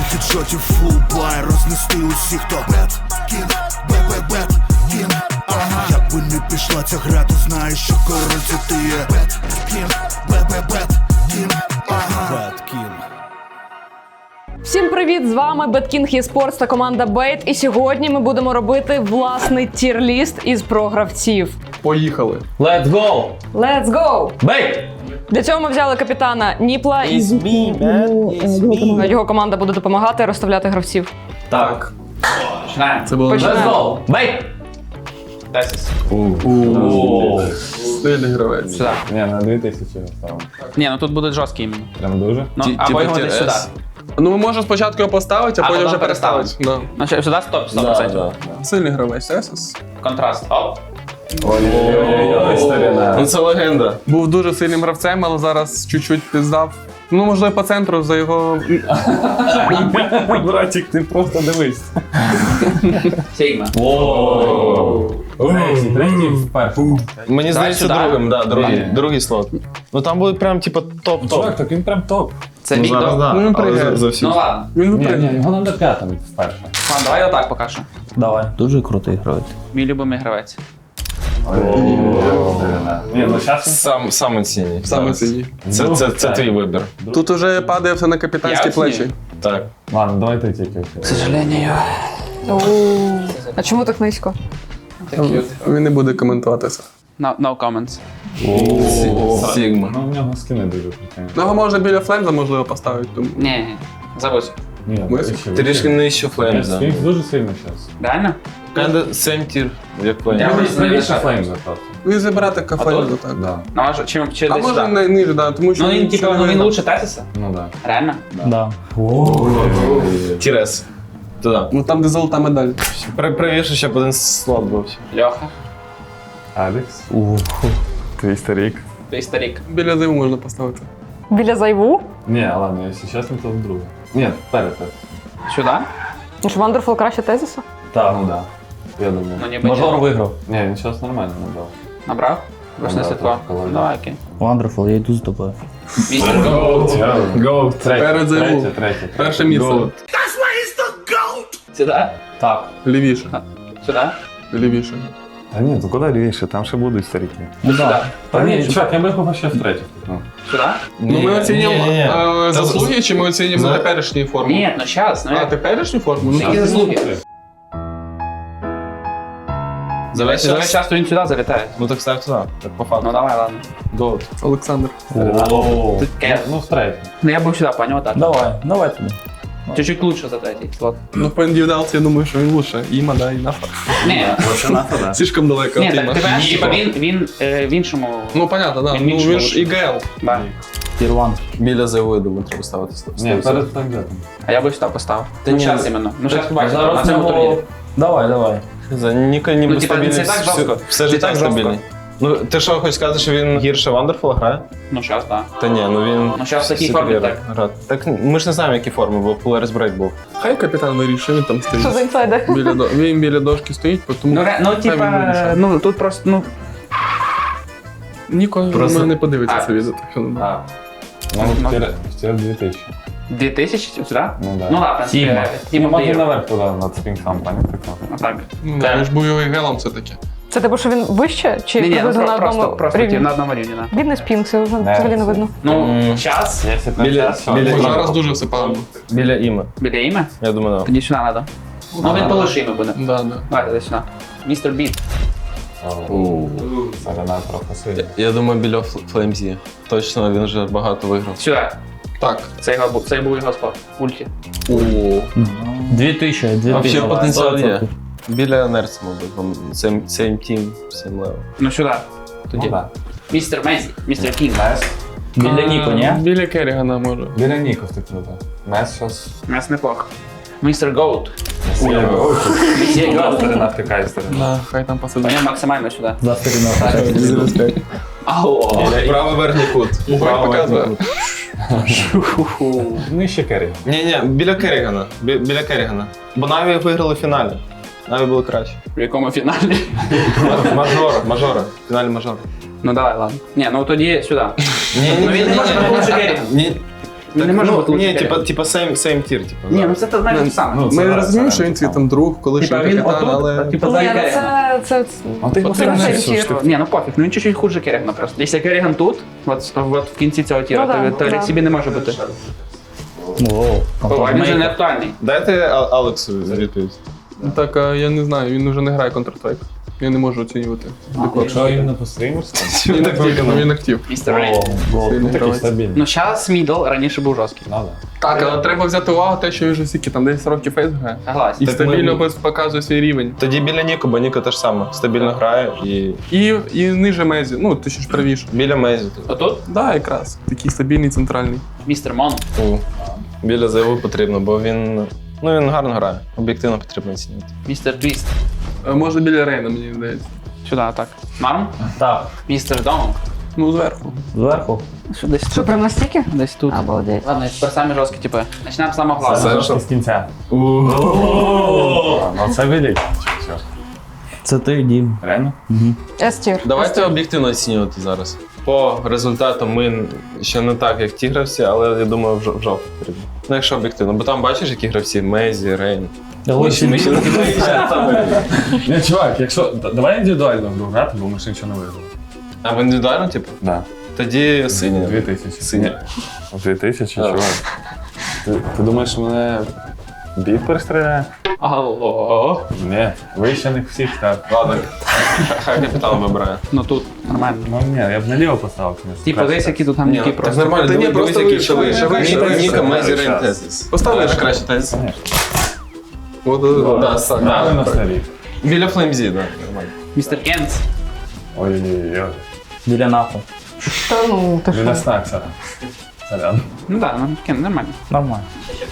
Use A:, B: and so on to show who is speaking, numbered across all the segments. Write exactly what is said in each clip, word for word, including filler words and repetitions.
A: хедшотів, фул бай, рознести усіх, хто бет, кінг, бе-бе-бет, кінг, ага. Як би не пішла ця гра, ти знаєш, що король це ти є. Бет, кінг, бе-бе-бет, кінг, ага. Бет, кінг.
B: Всім привіт! З вами BetKing eSports та команда Bait. І сьогодні ми будемо робити власний тір-ліст із програвців.
C: Поїхали.
D: Let's go!
B: Let's go!
D: Бейт!
B: Для цього ми взяли капітана Ніпла.
D: It's me, man. It's me.
B: Його команда буде допомагати розставляти гравців.
D: Так. Починаємо.
C: Це було
B: Починаємо.
D: Let's go! Бейт! десять.
C: Стильний гравець.
D: Сюди.
E: Не, на дві тисячі ставимо.
D: Ні, ну тут буде жорсткий іменно.
E: Прям дуже?
D: Ну,
C: Ті-
D: або
C: типу
D: його десь сюди.
C: ТРС. Ну, ми можемо спочатку його поставити, а,
D: А
C: потім
D: потім
C: вже переставити. Да.
D: Значить, сюди стоп, сто
E: Да,
D: процентів.
E: да.
C: Сильний гравець, Есес.
D: Контраст. Оп.
E: Ой-ой-ой, старина.
C: Ну, це легенда. Був дуже сильним гравцем, але зараз чуть-чуть піздав. Ну, можливо, по центру за його...
E: Братик, ти просто дивись.
D: Сігма.
E: Третій, третій в першому.
F: Мені здається,
D: сюди.
F: другим, да, другий,
E: Ні.
F: другий слот. Ну там буде прям типу топ-топ.
E: Чувак, так він прям топ.
D: Це
F: Ну,
D: бік
F: зараз,
D: до...
F: да,
C: Ну,
F: але
C: пригає.
F: за, за всі.
D: Ну ладно.
C: Він
E: Ні,
C: випрыгне.
E: ні, його надо п'ятим вперше.
D: Ладно, давай отак поки що.
E: Давай.
G: Дуже крутий гравець.
D: Мій любимий гравець.
E: Ні, ну зараз
F: Сам, саме цінні.
C: Саме цінні.
F: Це, це, це твій вибір.
C: Тут уже падає все на капітанські
D: Я
C: плечі.
D: оцінюю.
F: Так.
E: Ладно, давай ти тільки.
D: К сожалению.
B: А чому так низько?
C: Він не буде коментувати це.
D: No, no comments.
F: Сігма.
E: Ну, в нього скини дуже круті.
C: Ну, його можна біля Фленза, можливо, поставити. Тому...
D: Ні, ні. Забудь.
E: Ні,
C: Ми-
E: ще
F: Трішки нижче Флеймс, да.
E: Флеймс дуже сильно зараз.
D: Реально?
F: Kinda same tier, як Флеймс.
D: Я
E: Правіше
D: правіше.
E: Флеймса просто.
C: Він забирати кафе, так.
E: Да.
D: Ну, може, чим, чи
C: А
D: десь
C: може
D: сюди?
C: не ниже, да, тому що...
D: Ну він, типу, ну, він лучше Тесіса?
E: Ну да.
D: Реально?
G: Да.
F: Тірес. Туди.
C: Ну там, де золота медаль.
F: При- Правіше, щоб один слот був.
D: Льоха.
E: Алекс. Твій старик.
D: Твій старик.
C: Біля зиму можна поставити.
B: Біля зайву?
E: Ні, ладно, якщо чесно, то друге. Ні, перед. перед.
D: Сюди?
B: Ну що, Вандерфул краще Тезіса?
E: Так, ну да. Я думаю.
D: Ну, ніби
G: Мажор
D: ні.
G: виграв.
E: Ні, він зараз нормально набрав.
D: Набрав? Рушне
E: Набрав,
D: світло.
E: так, коли-
D: Давай, окей.
G: Wonderful, я йду з тобою.
D: Містер.
E: Гоу. Третє,
C: Перед
E: третє,
C: зиму.
E: третє, третє.
C: Перше місце.
E: Goat.
D: Сюди?
G: Так.
C: Лівіше.
D: Сюди?
C: Лівіше.
E: А ні, то куди лівіше, там ще будуть старики.
D: Ну, сюди.
E: Та ні, чувак, я би його ще в третє. Ну.
D: Сюди?
C: Ну ми оцінюємо
F: ні, ні.
C: е,
F: Це
C: заслуги, чи ми оцінюємо
F: за-
C: теперішню форму?
D: Ні, ну зараз. Ну,
C: А,
D: як?
C: теперішню форму? Ну,
D: Які
C: так.
D: заслуги?
F: Давай
D: Давай
F: зараз.
D: часто він сюди залітає.
F: Ну так став туди, так по
D: Ну
F: факту.
D: давай, ладно.
F: Goat.
C: Олександр.
E: О,
D: Таке.
E: ну в третє.
D: Ну я був сюди, поняв, так.
G: Давай, давай туди.
D: Чуть-чуть лучше за третій слот.
C: Ну по індивідуалці я думаю, що він лучше. Іма, да, і нафа.
D: Ні,
C: Слишком далеко
D: ні,
C: від
D: так
C: Іма.
D: ти бачиш, типа він, він е, в іншому.
C: Ну понятно, да.
D: Він
C: Ну
D: іншого
C: він ж
D: лучше.
C: ІГЛ.
D: Да.
G: Тір один.
F: Біля зайву, я думаю, треба ставити сто.
E: Ні, перед флеймзетом.
D: А я би сюди поставив.
F: Та
D: Ну
F: ні,
D: зараз
F: ну,
D: іменно. Ну зараз побачиш,
G: Зараз
D: на цьому
G: нього-
D: турнірі.
G: Давай, давай.
F: За Ніка ніби
D: Ну, типа,
F: стабільний.
D: це так
F: все-
D: жорстко.
F: Все
D: Це
F: ж і
D: так
F: так
D: жорстко.
F: стабільний. Ну, ти що, хочеш сказати, що він гірше Вандерфула грає?
D: Ну зараз, так.
F: Та ні, ну він...
D: Ну, щас в такій
F: всі
D: формі
F: такі
D: так.
F: гра- Так ми ж не знаємо, які форми, бо Polaris Break був.
C: Хай капітан вирішує, він там
B: Що за
C: стоїть.
B: інсайди?
C: Біля до... Він біля дошки стоїть, тому
D: Ну, ре- ну
C: хай він
D: типа,
C: вирішує.
D: ну тут просто, ну.
C: Ніко
F: Просто-
C: просто... не подивиться
D: А.
C: це відео. Так що, ну,
D: А.
E: Ну,
D: Ну,
E: в тір- в тір дві тисячі.
D: Дві тисячі сюди?
E: Ну да.
D: Ну ладно,
G: Тіма.
D: Тіма
E: Можна
D: Плеєр.
E: наверх туди, над спінком, пані прикол.
D: Так.
C: ну, да, він ж був його ІГЛом все-таки.
B: Це типу, що він вище? Чи
D: Ні, ні, ну
B: приблизно на
D: просто,
B: одному
D: просто
B: рівні?
D: ті, на одному рівні, да.
B: Бідний спінг, це вже
E: Не,
B: взагалі не
E: це-
B: видно.
D: Ну,
F: М.
D: час.
E: Якщо там
F: Біля-
E: час,
F: біля-
E: то-
C: Зараз дуже все погано.
F: Біля іми.
D: Біля ім'я?
F: Я думаю, да.
D: Тоді сюди треба. Ну він полиши ім'я буде.
C: Да, да.
D: Давайте десь сюди. Містер Біт.
E: О, Сарана трохи сильно.
F: Я думаю, біля Флеймзі. Точно, він вже багато виграв.
D: Сюди.
C: Так.
D: Це, його, бу- це був його спот. Ульті.
G: Дві тисячі, дві
F: Вообще
G: тисячі.
F: потенціал є. Біля Нерца, мабуть, бо same, same team, same level.
D: Ну сюди.
E: Ну, да.
D: Містер Мезі. Містер Кінг.
G: Біля Ніко, ні?
C: Біля Керрігана може.
E: Біля Ніков ти круто. Мес щас...
D: Мес неплохо. Містер Гоут.
E: Є гоу.
D: Містер Гоут.
E: Сторона втикає сторона.
C: Да, хай там посидить.
D: Поняв максимально сюди.
G: За сторіною.
D: Алло.
F: Правий верхній кут.
C: Угой показує.
E: Нижче керрі.
F: Ні, ні, біля Керрігана. Бі- Біля Керрігана. Бо Наві виграли в фіналі. Наві було краще.
D: В якому фіналі?
F: Мажора, мажора. В фіналі мажора.
D: Ну давай, ладно. Ні, ну тоді сюди.
F: Ні,
D: Ну він не може бути лучше Керрігана.
F: Ні.
D: Він не може
F: ну,
D: бути
F: ні,
D: лучше
F: типа,
D: Керрігана.
F: типа same, same tier, типа.
D: Ні, ну це те знаєш те саме.
E: Ну, це
C: Ми
E: да,
C: розуміємо,
E: це
C: що він
E: так
C: твій там друг, колишній
D: Типа він
C: капітан,
D: отут,
C: але...
D: типа
B: Ні,
D: за
B: ну
D: Керрігана.
B: це, це,
E: А ти
B: це,
E: потрібно
B: це
E: щось,
B: тір.
E: що
D: Ні, ну пофіг, ну він чуть-чуть хуже Керрігана просто. Якщо Керріган тут, от, от в кінці цього тіра,
B: Ну да,
D: то, то
B: да.
D: Рексібі не може бути.
G: Воу.
D: О, а він вже не актуальний.
F: Дайте А- Алексу відповідь.
C: Так, а я не знаю, він вже не грає Counter-Strike. Я не можу оцінювати.
E: Якщо він не постримерський,
C: Він актив, ну, він актив.
D: Містер Рейн.
E: ну
C: Сильний
E: такий
C: гравець.
E: стабільний.
D: Ну зараз мідл, раніше був жорсткий.
E: Надо.
C: Так, але треба взяти увагу те, що він вже стільки, там десять років фейс грає.
D: Согласен.
C: І
F: Так
C: стабільно
F: ми-
C: без- показує свій рівень.
F: Тоді біля Ніко, бо Ніко теж саме. Стабільно грає і
C: І, і ниже Мезі, ну, ти ще ж правіше.
F: біля Мезі. типу.
D: Отут
C: Да, якраз. Такий стабільний, центральний.
D: містер Мон.
F: У, Біля Зайву потрібно, бо він. Ну він гарно грає. Об'єктивно потрібно оцінювати.
D: Містер Твіст.
C: Е, Може біля Рейна, мені здається.
D: Сюди, так. Норм?
G: Так,
D: Містер Донг.
C: Ну, зверху.
G: зверху.
D: Що десь
B: Що, прям настільки?
D: Десь тут.
B: Обалдеть.
D: Ладно, тепер самі жорсткі, типи. Почнемо з самого главного.
E: Трошки з кінця. Ну це видять.
G: Це ти, Дім.
E: Реально?
B: С-тір.
F: Давайте об'єктивно оцінювати зараз. По результатам ми ще не так, як ті гравці, але я думаю, в жо- в жовтих потрібно. Ну, якщо об'єктивно, бо там бачиш, які гравці Мезі, Рейн. Ми ще не
E: Ні, чувак, якщо. д- Давай індивідуально в гру грати, бо ми ще нічого не виграли.
F: А в індивідуально, типу?
E: Да.
F: Тоді сині.
E: Дві тисячі.
F: Сині.
E: Дві тисячі,
F: Так.
E: чувак. Ти, ти думаєш, що мене біт перестріляє?
D: Алло.
E: Ні, ви ще не всіх так.
F: Ладно, хай капітан вибирає.
D: Ну тут нормально.
E: Ну ні, я б наліво поставив. звісно.
D: Типа десь які тут там ніки
F: Так
D: просто.
F: нормально,
C: Та ні,
F: дивись,
C: просто
F: дивись,
C: вище,
F: які
C: вище,
F: чоли.
C: вище,
F: Ніка,
C: вище.
F: Ніка, Мезі, Рейн,
E: Щас.
F: Тезис.
C: Поставили
F: Е,
C: ще?
F: краще Тезис.
C: От, от,
F: Да,
C: да.
F: так.
E: Дали на старі.
F: Біля Флеймзі, так, нормально.
D: Містер Кенс.
E: Ой-ой-ой.
G: Біля нафу.
B: Та ну, ти
E: Біля
B: що?
E: Снакса. Сорян.
D: Ну так, ну Кен, нормально.
G: Нормально.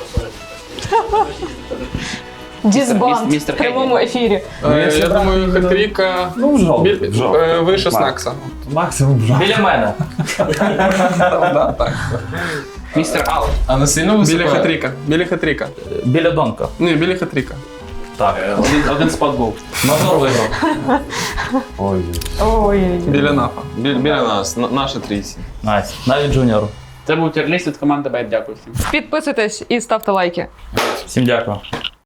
B: Дізбанд
D: Міс- містер
B: в прямому ефірі.
C: Е, Я думаю, Хатріка
E: Ну, в жовтий,
C: біль-
E: в жовтий.
C: е, вище
E: Макс.
C: Снакса.
E: Максимум в жовтий.
G: Біля мене.
C: Да, так.
D: Містер Ал.
F: А не сильно
C: Біля Хатріка. Біля Хатріка.
G: Біля Донка.
C: Ні, біля Хатріка.
G: Так.
D: Один, один спот був.
G: Мазур виграв.
E: Ой.
B: Ой.
C: Біля Нафа.
F: Біля, біля нас, на- наша трійці.
G: Найс. Навіть джуніор.
D: Це був тірліст від команди Бейт. Дякую всім.
B: Підписуйтесь і ставте лайки.
G: Всім дякую.